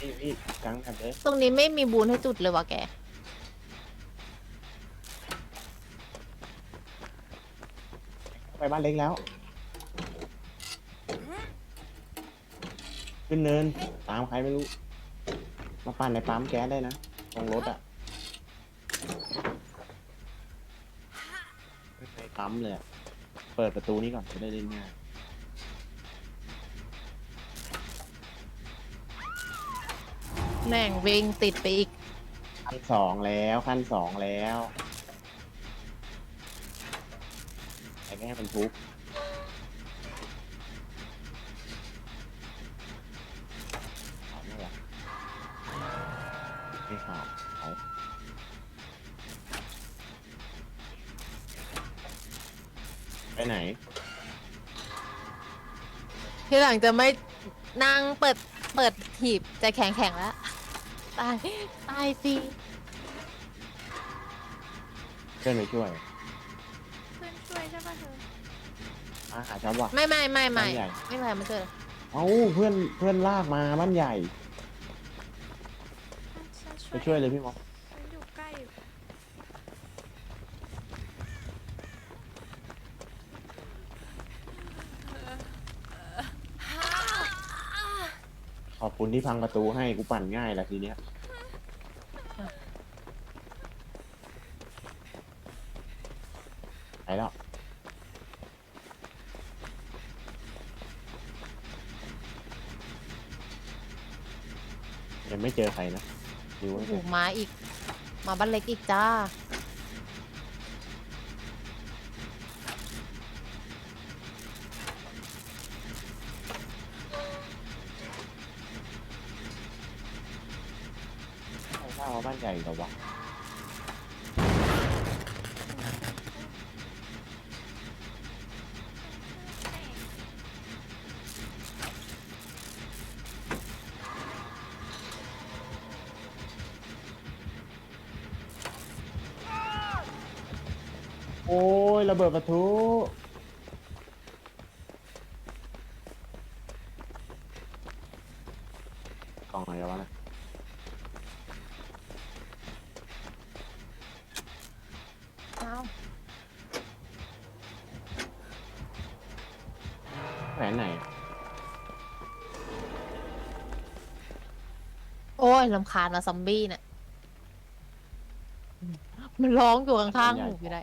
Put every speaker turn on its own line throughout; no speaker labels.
พี่กลางแบบเลย
ตรงนี้ไม่มีบูนให้จุดเลยวะแก
ไปบ้านเล็กแล้วขึ้นเนินตามใครไม่รู้มาปั่นในปั๊มแก๊สได้นะตรงรถอ่ะในปั๊มเลยอะเปิดประตูนี้ก่อนจะได้เล่นง่าย
แม่งวิ่งติดไปอีก
ขั้นสองแล้วขั้นสองแล้วไอ้แม่เป็นทุบเอาไม่หรอไม่ข่าวเอาไปไหน
ทีหลังจะไม่นั่งเปิดหีบจะแข็งแล้วตายตายสิ
เพื่อนไปช่วย
เพื่อนช่วยใช่ป่ะเธอ
อาหาชาวบ้าน
ไม่
บ้านใหญ่
ไม่เป็นไรมันเจอ
เอ้าเพื่อนลากมาบ้านใหญ่ไปช่วยเลยพี่มอส
ฉันอยู่ใกล้
ขอบคุณที่พังประตูให้กูปั่นง่ายละทีเนี้ยไปแล้วยังไม่เจอใครนะดู
โอ้
ไว้
โห
ก่อน
มาอีก มาบ้านเล็กอีกจ้า
ใครว่ามาบ้านใหญ่เหรอวะโอ้ยระเบิดประตูกล่องอะไรวะนะแผนไหน
โอ้ยลำคาญนะซอมบี้เนี่ยมันร้องอยู่ข้างๆหูอยู่ได้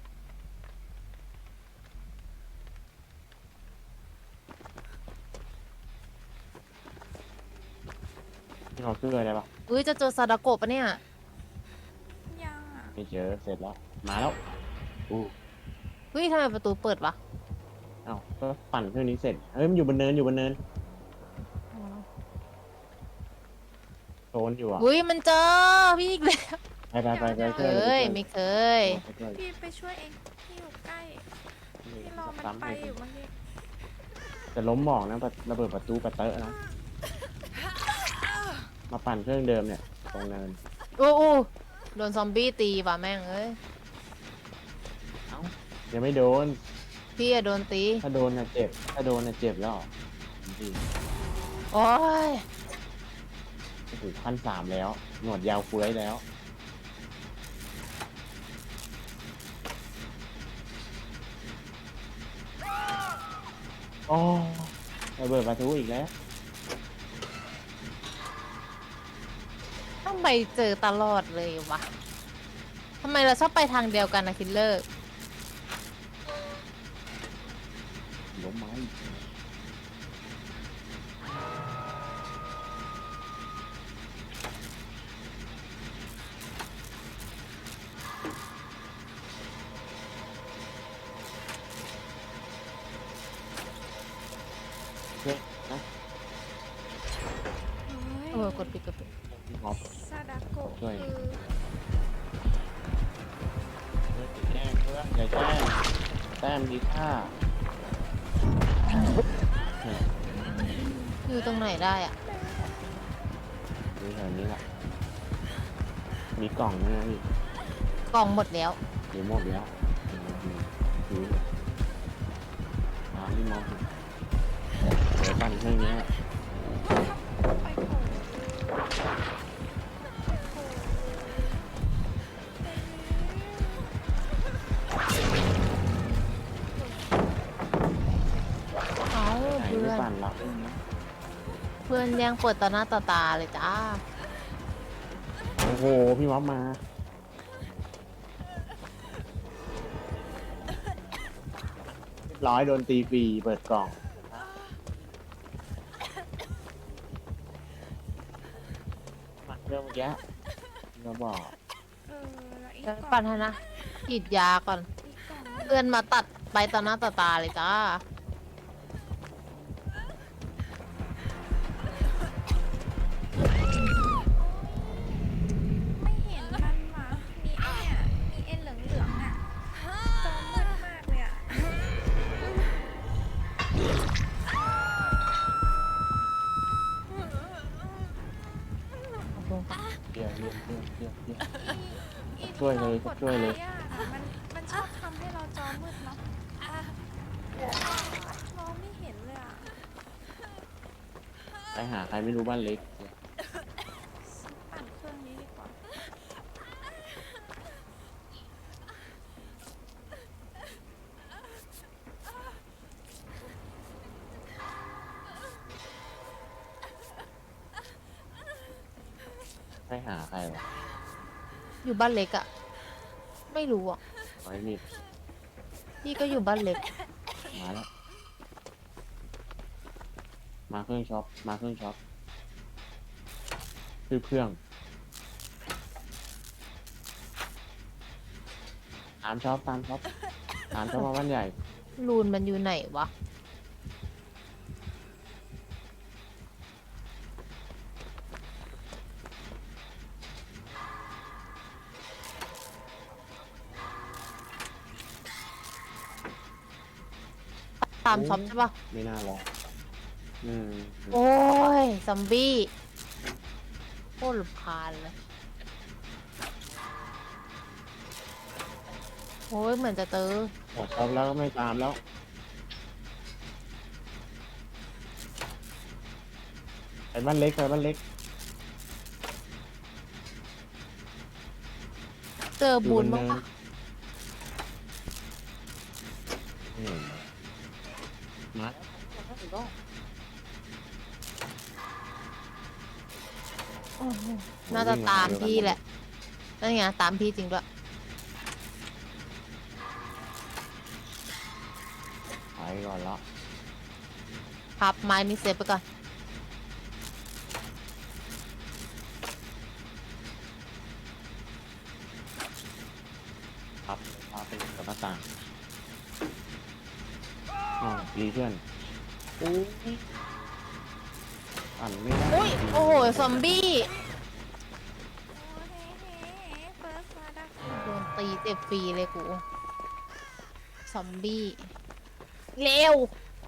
ที่เขาซื้ออะไรปะ
อุ้ยจะเจอซาดาโกะปะเนี่ย
ยังอ่ะ
ไม่เจอเสร็จแล้วมาแล้วอู้
เฮ้ยทำไมประตูเปิดวะ
เอ้าก็ปั่นเครื่องนี้เสร็จเฮ้ยมันอยู่บนเนินอยู่บนเนินโซนอยู่อ่ะ
อุ้ยมันเจอพี่อีกแล้ว
ไป
เค
ช่วย
ยไม่เคย
ไปช่วย
พี่ไปช่วยเองพี่อยู่ใกล้พี่รอมัน
ซ้ำ
ไป
เลย
อยู่เมื่อกี้
จะล้มหมอกนะระเบิดประตูกระเตอะนะมาปั่นเครื่องเดิมเนี่ยตรงเนิน
โอ้โอ้โดนซอมบี้ตีว่ะแม่งเอ้ย
เอ้ายังไม่โดน
พี่อะโดนตี
ถ้าโดนน่ะเจ็บถ้าโดนน่ะเจ็บแล้วพี่
โอ้ย
โอ้โหขั้นสามแล้ว หนวดยาวเฟื้อยแล้วโอ้ระเบิดประตูอีกแล้ว
ต้องไปเจอตลอดเลยวะทำไมเราชอบไปทางเดียวกันนะคิลเลอร์
ล้มไม้เฮ้ยนะ
เออกดปิดกดปิด
พี่ฮอป
ซาดาโกะ
ช่วย
คือ
แจ้งเพื่อนอย่าแจ้งแต้มดีค่าเนี่ย
อยู่ตรงไหนได้อะ
ดูแถวนี้แหละมีกล่องด้วยนะพี่
กล่องหมดแล้ว
เดี๋ยวหมดแล้วดูตามที่มองเดี๋ยวปั่นเครื่องนี้
ไปโผล่
ลังไม่มี
เพื่อนแย่งเปิดต่อหน้าต่อตาเลยจ้า
โอ้โหพี่ม็อบมาเรียบร้อยโดนตีฟรีเปิดกล่องมาเรื่องเมื่อกี้เราบอก
แล้วอีก
เดี๋ยว
กล่
ก่อ
อน ง
นนะฉีดยาก่อน
อีกกล่อง
เพื่อนมาตัดไปต่อหน้าต่อตาเลยจ้า
ไม่เห็นมันว่ะมีไอ้เนี่ยมีเอ็นเหลืองๆอ่ะจอมืดมากเลยอ่ะ
เดี๋ยว
อี
ช่วยเลย
ที่รา
ช่วยเลย
กดไว้อะมันชอบทำให้เราจอมืดเนาะมองไม่เห็นเลยอ่ะ
ไปหาใครไม่รู้บ้านเล็ก
ปั่นเครื่องนี้ดีกว่า
ไปหาใครวะ
อยู่บ้านเล็กอะไม่รู้อ่ะ
ไว้มีด
พี่ก็อยู่บ้านเล็ก
มาแล้ว มาเครื่องช็อปมาเครื่องช็อปซื้อเครื่องตามช็อปตามช็อปมาบ้านใหญ่
รูนมันอยู่ไหนวะ ตามช็อปใช่ปะ
ไม่น่ารออืม
โอ้ย ซอมบี้โคตรรำคาญเลย โอ้ย เหมือนจะเจอ
หมดช็อปแล้วก็ไม่ตามแล้วไปบ้านเล็ก
เจอบุญบ้างปะ
อืมมาแล้ว
โอ้โหน่าจะตามพี่แหละ นั่นไงตามพี่จริงด้วย
ไปก่อนแล้ว
พับไม้นี้เซฟไปก่อน
ครับพาไปกับหน้าต่างอ๋อดีเพื่อนอู้ยอ่านไม่ได้
อุ้ย โอ้โห ซอมบี้
โอ้เฮ้เฮ้เฟิร์สมาดัก
โดนตีเจ็บฟรีเลยกู ซอมบี้ เร็ว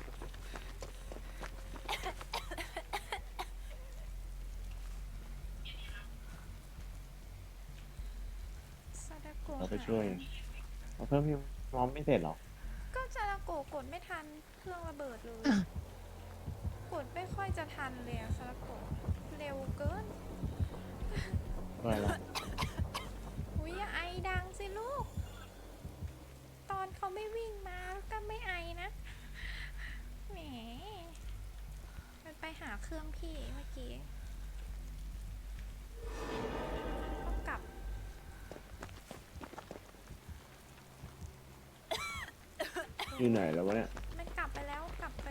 ซาดาโกะ
เราไปช่วยเราเพิ่มพี่มอมไม่เสร็จหรอ
ก็ซาดาโกะกดไม่ทันเครื่องระเบิดเลย กดไม่ค่อยจะทันเลยอะซาดาโกะเร็วเกิน
ด้วยแล้ว
อุ้ยอย่าไอดังสิลูก ตอนเขาไม่วิ่งมาก็ไม่ไอนะ แหม มันไปหาเครื่องพี่เมื่อกี้ก็กลับ
อยู่ไหนแล้ววะเนี่ย
มันกลับไปแล้วกลับไป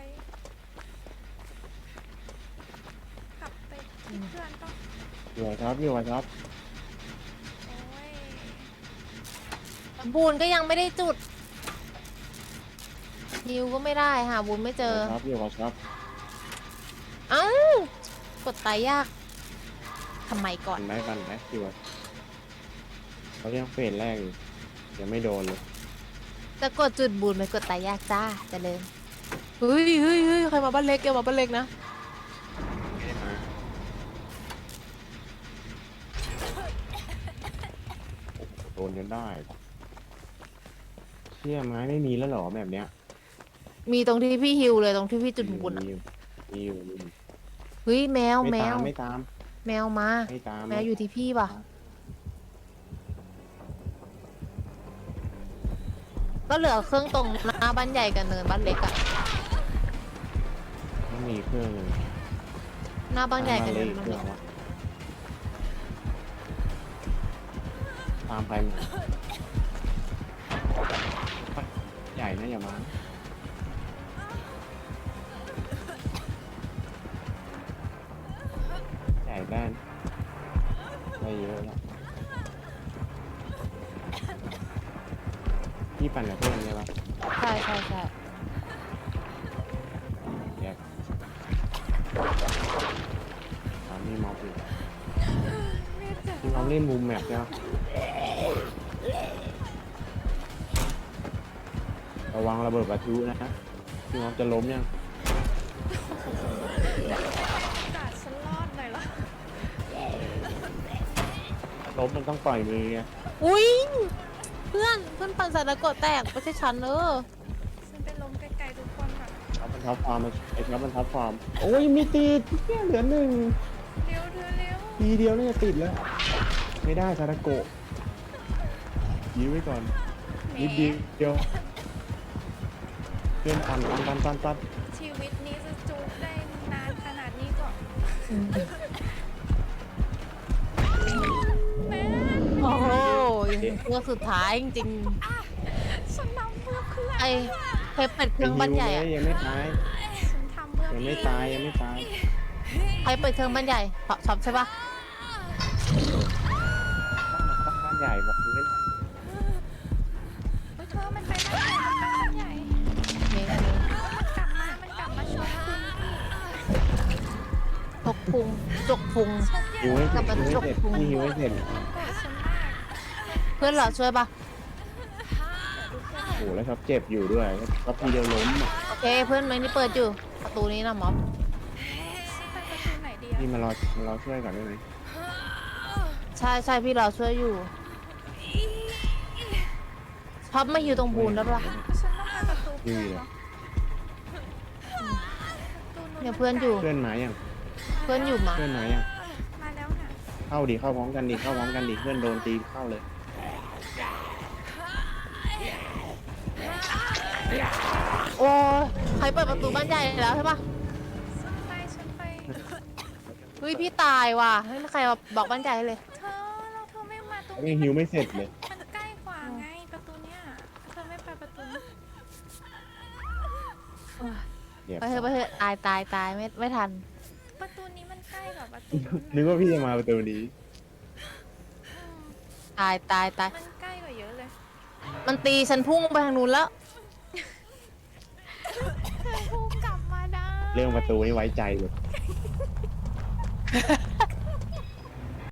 ที่เพื่อนก็
อยู่กับช็อปอยู่กับช็อป
โอ้ย
บูนก็ยังไม่ได้จุดฮิวก็ไม่ได้หาบูนไม่เจอ
อยู่กับช็อป
เอ้า กดตายยาก ทำไมก่อน
ปั่นไหมอยู่กับเขายังเฟสแรกอยู่ยังไม่โดนเลย
จะกดจุดบูนไปกดตายยากจ้าเจะเลินเฮ้ยเฮ้ยเฮ้ยใครมาบ้านเล็กแกมาบ้านเล็กนะ
ไม่ได้มาโดนจนได้เชี่ยไม้ไม่มีแล้วเหรอแบบเนี้ย
มีตรงที่พี่ฮิวเลยตรงที่พี่จุดบูนอ่ะ
มีอยู่
เฮ้ยแมว
ไม่
แม
ตาว มไม่ตาม
แมวมา
ไม่ตาม
แมวอยู่ที่พี่ป่ะ ก็เหลือเครื่องตรงหน้าบ้านใหญ่กับเนินบ้านเล็กอะ
มันใมีเครื่องหนึ่ง
หน้าบ้านใหญ่กัน
เล
เลย
ยเครื่องวะตามไปหมดใหญ่นะอย่ามาใหญ่ได้นะได้เยอะแล้วพี่ปั่นกับเพื่อนใช่ปะ
ใช่ใช่ใช่
แยกตอนนี้ม็อบอยู่
แม่เจ็บ
พี่ม็อบเล่นมุมแมปใช่ปะระวังระเบิดประทุนะพี่ม็อบจะล้มยัง
กัดฉันรอดหน่อยเหรอ
ล้มมันต้องปล่อยมือไง
อุ้ยเพื่อนปั่นสารกดแตกไม่ใช่ฉัน
ฉันไปล้มไกลๆทุกคนค่ะ
ท็อปมันท็อปฟอร์มไอ้ท็อปมันท็อปฟอร์มโอ้ยมีติดแค่เหลือหนึ่ง
เร็วเธอเร็ว
ทีเดียวน่าจะติดแล้ว ไม่ได้ซาตาโกะยื้อไว้ก่อน
แหม
นิดเดียวเพื่อนปัน
ชีวิตนี้จะจุกได้นานขนาดนี้ก็แม่
โอ้โหเพื่อสุดท้ายจริง
ฉันทำเพื่อเพื่อน
ๆไอ้เคยเปิดเครื่องบ้านใหญ่อะ
ยังไม่ตาย
ฉันทำเพื่อ
ยังไม่
พี่
ตายยังไม่ตาย
ใครเปิดเครื่องบ้านใหญ่ช็อปใช่ปะ
ต้องบ้านใหญ่บอกดูไม่หน่อย
เฮ้ยเธอมันไปบ้านใหญ่
เมย์
มันกลับมาชกคุณพี่
ตกพุงจกพุง
ชกใหญ่
หิวให้เสร็จ
กลับมา
หิวให้เสร็จ
จกพุง
นี่หิวให้เสร็จ
โกรธฉันมาก
เพื่อนเราช่วยปะ
โอ้โหแล้วท็อปเจ็บอยู่ด้วยท็อปทีเดียวล้มอ่ะ
โอเคเพื่อนไหมนี่เปิดอยู่ประตูนี้นะม็อบ
ไปประตูไหนดีอะ
นี่มารอช่วยก่อนได้ไหม
ใช่พี่เราช่วยอยู่พับไม่อยู่ตรงบูนแล้วปะ
ฉันต้องไปประตูเพื่อนเหรอ
เนี่ยเพื่อนอยู่
เพื่อนมายัง
เพื่อนอยู่มา
เพื่อนมายัง
มาแล้วค่ะ
เข้าพร้อมกันดิเข้าพร้อมกันดิเพื่อนโดนตีเข้าเลย
โอ้ยใครเปิดประตูบ้านใหญ่แล้วใช่ปะ
ฉันไป
เฮ้ยพี่ตายว่ะไม่มีใครมาบอกบ้านใหญ่เลย
เธอเราเธอไม่มาตรง
ยังหิวไม่เสร็จเลย
มันใกล้กว่าไงประตูเนี้ยเธอไม่ไปประตูนี้
เดี๋ยว
ไปเถอะตายไม่ทัน
ประตูนี้มันใกล้กว่าประตูนู้น
นึกว่าพี่จะมาประตูนี้
อืม
ตาย
มันใกล้กว่าเยอะเลย
มันตีฉันพุ่งไปทางนู้นแล้ว
เธอพุ่งกลับมาได้
เรื่องประตูนี่ไว้ใจเลย